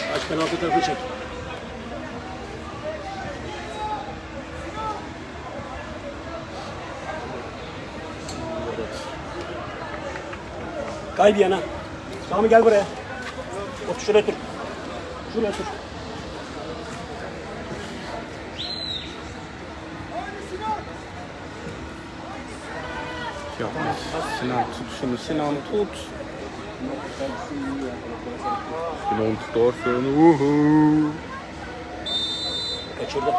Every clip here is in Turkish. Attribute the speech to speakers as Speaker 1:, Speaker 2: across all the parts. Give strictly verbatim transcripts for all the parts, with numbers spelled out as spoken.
Speaker 1: Aç penaltı tarafı çek. Kay bir yana. Sami gel buraya. Otur şuraya otur. Şuraya otur.
Speaker 2: Yapma. Sinan tut şunu. Sinan tut. Sinan tutarsın. Uhu.
Speaker 1: Kaçırdı.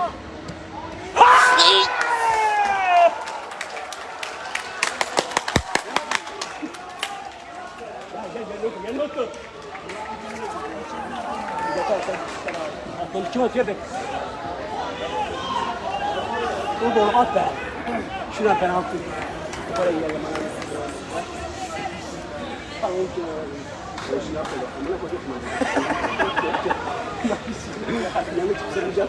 Speaker 1: Gel gel gel otur. Gel otur. Aklını kim atıyor be? Dur doğru at be. Şuradan penaltı. Para yiyelim. Tamam ki. Şunu yapalım. Amına koyayım. Yanlış güzeleceğim.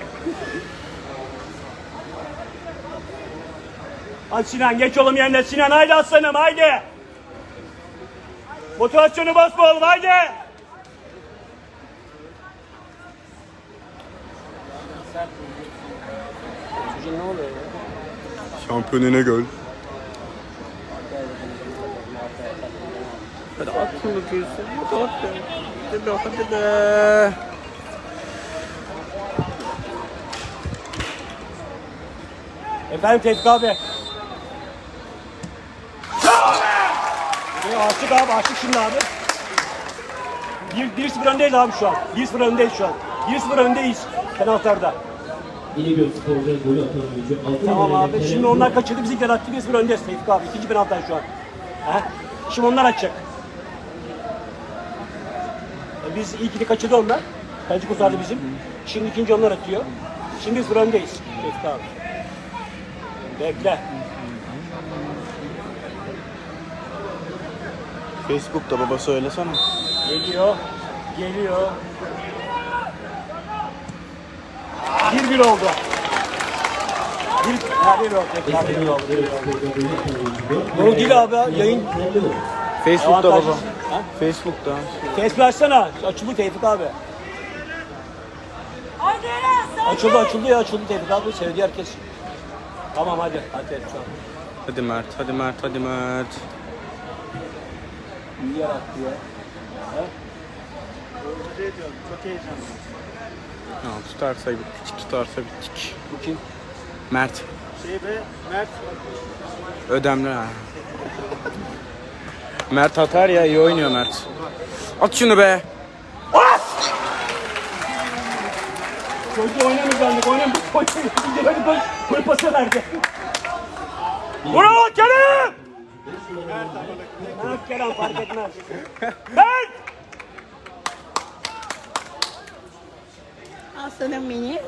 Speaker 1: Hadi Sinan geç oğlum yerine Sinan haydi aslanım haydi. Motivasyonu basma oğlum haydi. Çocuğun ne oluyor ya?
Speaker 2: Şampiyonine gol. Hadi at şunu diyorsun. Hadi at be. Hadi be. Hadi be.
Speaker 1: Efendim Tevfik abi. Ya açtık abi açtık şimdi abi. bir sıfır öndeyiz abi şu an. bir sıfır öndeyiz şu an. bir sıfır öndeyiz penaltılarda.
Speaker 3: İnegöl Spor'da golü atan oyuncu. Altın
Speaker 1: Tamam
Speaker 3: numarayla
Speaker 1: abi. Şimdi
Speaker 3: Kerem
Speaker 1: onlar kaçırdı bizimkiler attı bir sıfır öndeyiz Tevfik abi. İkinci penaltıdan şu an. He? Şimdi onlar atacak. E biz ilkini kaçırdı onlar. Kaleci kurtardı bizim. Şimdi ikinci onlar atıyor. Şimdi bir sıfır öndeyiz Tevfik abi. Bekle.
Speaker 2: Facebook'ta baba söylesene.
Speaker 1: Geliyor. Geliyor. bir bir oldu. Bir, ha, bir oldu. Ha, bir oldu. Bir oldu. Doğru değil abi ya, yayın.
Speaker 2: Facebook'ta
Speaker 1: Avantajlı.
Speaker 2: baba.
Speaker 1: Ha?
Speaker 2: Facebook'ta.
Speaker 1: Facebook açsana. Açıldı Tevfik abi. Açıldı açıldı ya açıldı Tevfik abi. Sevdi herkes. Tamam hadi. Hadi Tevfik abi.
Speaker 2: Hadi Mert. Hadi Mert. Hadi Mert.
Speaker 1: İyi yer attı ya. Ha?
Speaker 4: Çok heyecanlı.
Speaker 2: Ya, tutarsa bittik. Tutarsa bittik.
Speaker 1: Bu kim?
Speaker 2: Mert.
Speaker 4: Şey be, Mert.
Speaker 2: Ödemli ha. Mert atar ya. İyi oynuyor Mert. At şunu be.
Speaker 1: Çocuğu oynamayacaktık. Oynamayacaktık. Oynamayacaktık. Hadi koş. Koy pası verdi. Bravo Kerem! Mert Kerem fark etmez. Mert!
Speaker 5: Aslanım beni.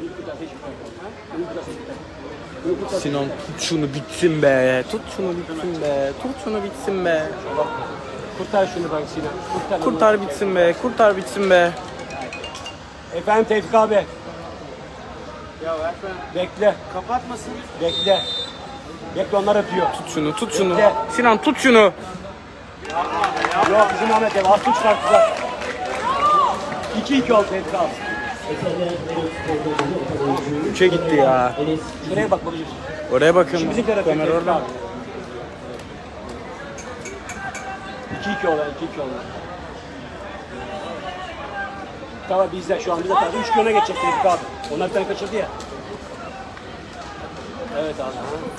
Speaker 2: Sinan tut şunu bitsin be. Tut şunu bitsin be. Tut şunu bitsin be.
Speaker 1: Kurtar şunu bak Sinan. Kurtar,
Speaker 2: Kurtar bitsin be. Kurtar bitsin be.
Speaker 1: Efendim Tevfik abi.
Speaker 4: Ya Erfen
Speaker 1: Bekle.
Speaker 4: kapatmasın.
Speaker 1: Bekle. Bekle onlar atıyor.
Speaker 2: Tut şunu. Tut şunu.
Speaker 1: Bekle.
Speaker 2: Sinan tut şunu.
Speaker 1: Yok bizim Ahmet ev. Aslı çıkarttılar. iki iki oldu Tevfik abi.
Speaker 2: Üçe gitti ya.
Speaker 1: Şuraya bak babacığım.
Speaker 2: Oraya bakın.
Speaker 1: Şimdi bizimkiler atıyor
Speaker 2: Ömer
Speaker 1: Tevfik
Speaker 2: orada.
Speaker 1: abi. iki iki oldu. iki iki oldu. Tamam bizde şu an bizde tabii üç öne geçecek Tevfik abi. Onlar bir tane kaçırdı ya. Evet abi.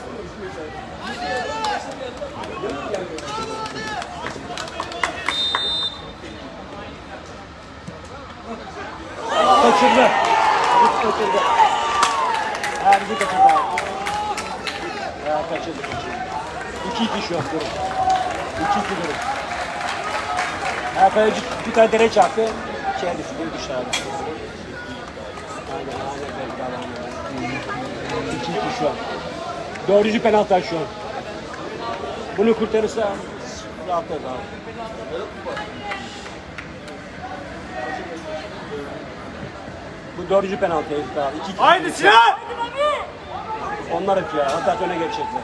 Speaker 1: Kaçırdı. Hiç kaçırdı. Ha bizi kaçırdı abi. Ha kaçırdı kaçırdı. iki iki şu an durum. iki iki durum. Ha kaleci bir tane dere çarptı. Şeye düştü, dışarı. Aynen aynen belki adam. iki iki şu an. Dördüncü penaltı şu an. Bunu kurtarırsa rahatlar abi. Bu dördüncü penaltı Tevfik abi. iki iki.
Speaker 4: Haydi Sinan!
Speaker 1: Onlar atıyor. Hatta öne geçecekler.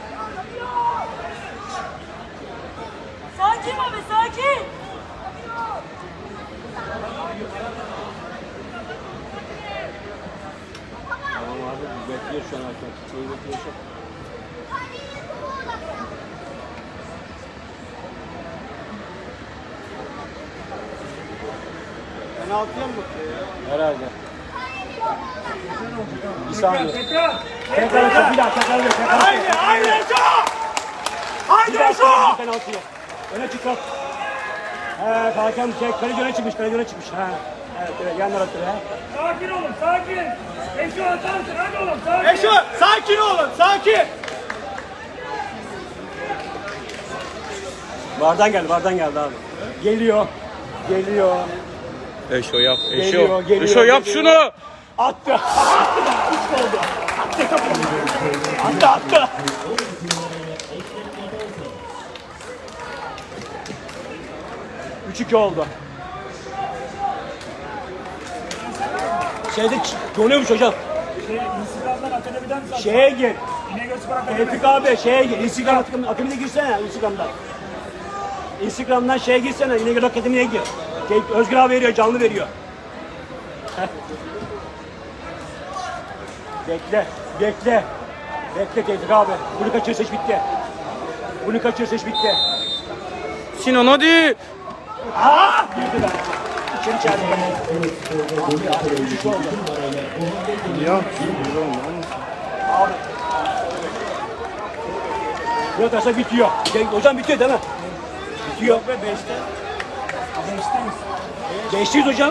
Speaker 5: Sakin abi sakin.
Speaker 1: bekliyor şu an hakem. Şeyi bekliyor şu an.
Speaker 4: Penaltıya mı bakıyor ya?
Speaker 1: Herhalde. Bir saniye. Tekrar atıyor. Bir daha tekrar atıyor. Tekrar atıyor.
Speaker 4: Haydi haydi Eşo! Haydi
Speaker 1: Bir daha
Speaker 4: Eşo!
Speaker 1: atıyor penaltıyı. Öne çıkart. Evet hakem şey, kaleci öne çıkmış. Kaleci öne çıkmış. Ha. Evet evet yanlar atıyor. Ha.
Speaker 5: Sakin olun, sakin. Eşo atarsın, hadi oğlum, sakin.
Speaker 4: Eşo sakin olun sakin.
Speaker 1: Vardan geldi. Vardan geldi abi. Geliyor. Geliyor.
Speaker 2: Eşo yap. Eşo.
Speaker 1: Geliyor, geliyor,
Speaker 2: Eşo yap
Speaker 1: geliyor.
Speaker 2: şunu.
Speaker 1: Attı. Attı da. Üç oldu. Attı. Attı attı. Üç iki oldu. Şeyde ç- donuyormuş hocam.
Speaker 5: Şey, Instagram'dan akademiden mi sattın?
Speaker 1: Şeye gir.
Speaker 5: İnegöl Spor Akademi.
Speaker 1: Tevfik abi şeye gir. Instagram akademiye girsene Instagram'dan. Instagram'dan şeye girsene. İnegöl Akademi'ye gir. Tevfik- Özgür abi veriyor, canlı veriyor. Heh. Bekle, bekle. Bekle Tevfik abi. Bunu kaçırırsa iş bitti. Bunu kaçırırsa iş bitti.
Speaker 2: Sinan hadi.
Speaker 1: Aa! Girdi ben. İçeri içeride. Abi abi, üç üç oldu.
Speaker 2: Ya.
Speaker 1: Abi. Bunu atarsa bitiyor. Şey, hocam bitiyor değil mi? Bitiyor.
Speaker 4: Ve beşte.
Speaker 1: Beşteyiz hocam.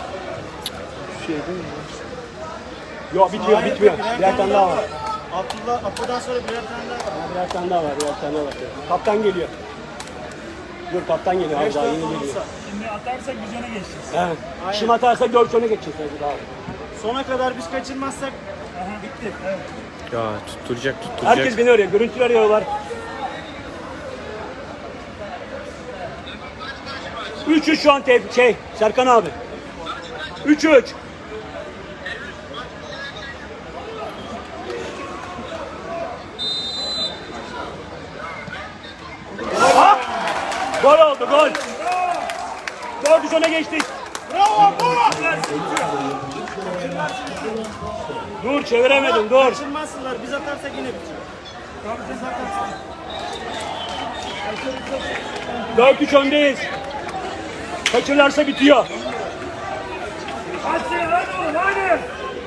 Speaker 1: Yok bitiyor,
Speaker 4: Hayır,
Speaker 1: bitmiyor.
Speaker 4: birer
Speaker 1: Birer tane daha var.
Speaker 4: Abdullah Apo'dan sonra birer tane daha var.
Speaker 1: Birer tane daha var, birer tane daha var. Kaptan geliyor. Dur kaptan geliyor abi
Speaker 4: Beş
Speaker 1: daha
Speaker 4: dört
Speaker 1: yeni geliyor.
Speaker 4: olursa.
Speaker 5: Şimdi atarsak biz öne geçeceğiz.
Speaker 1: He. Şimdi atarsa dört öne geçecek Tevfik abi.
Speaker 4: Sona kadar biz kaçırmazsak bitti.
Speaker 2: Ya tutturacak tutturacak.
Speaker 1: Herkes beni arıyor, görüntülü arıyorlar. üç üç şu an Tevfik, şey, Serkan abi. üç üç. Ha! Gol oldu, gol. dört üç öne geçtik.
Speaker 4: Bravo bu!
Speaker 1: Dur, çeviremedim, dur.
Speaker 4: Kaçırmazsınlar. Biz atarsak yine bitiyor. Biz atarsak.
Speaker 1: dört üç öndeyiz. Kaçırlarsa bitiyor.
Speaker 5: Hadi Sinan, hadi oğlum, hadi.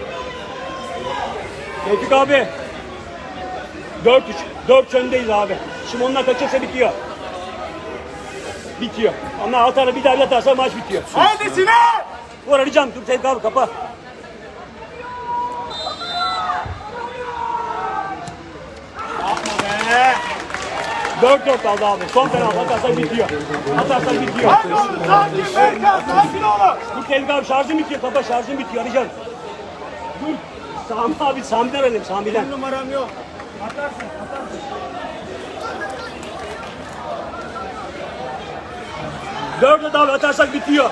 Speaker 1: Tevfik abi. dört üç. dört üç öndeyiz abi. Şimdi onlar kaçırsa bitiyor. Bitiyor. Ama atarsa bir daha bir atarsa maç bitiyor.
Speaker 4: Haydi Sinan!
Speaker 1: Vur arayacağım. Dur Tevfik abi kapa.
Speaker 4: Ee,
Speaker 1: dört dört aldı abi. Son penaltı atarsa bitiyor. Atarsa bitiyor.
Speaker 4: Hadi oğlum sakin Berkan sakin olun.
Speaker 1: Dur Tevfik abi şarjım bitiyor. Kapa şarjım bitiyor. Arayacağım. Dur. Sami abi Sami'den arayayım Sami'den.
Speaker 4: Bir numaram yok.
Speaker 5: Atarsın, atarsın.
Speaker 1: dört dört abi atarsak bitiyor.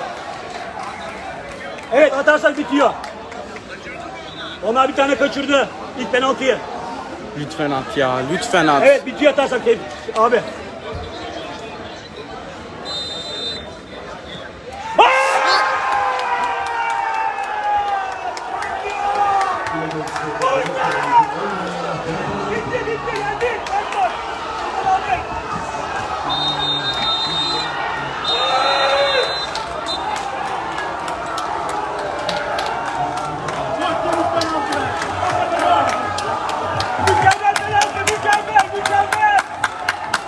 Speaker 1: Evet atarsak bitiyor. Onlar bir tane kaçırdı. İlk penaltıyı.
Speaker 2: Lütfen at ya lütfen at.
Speaker 1: Evet bitiyor atarsak Tevfik abi.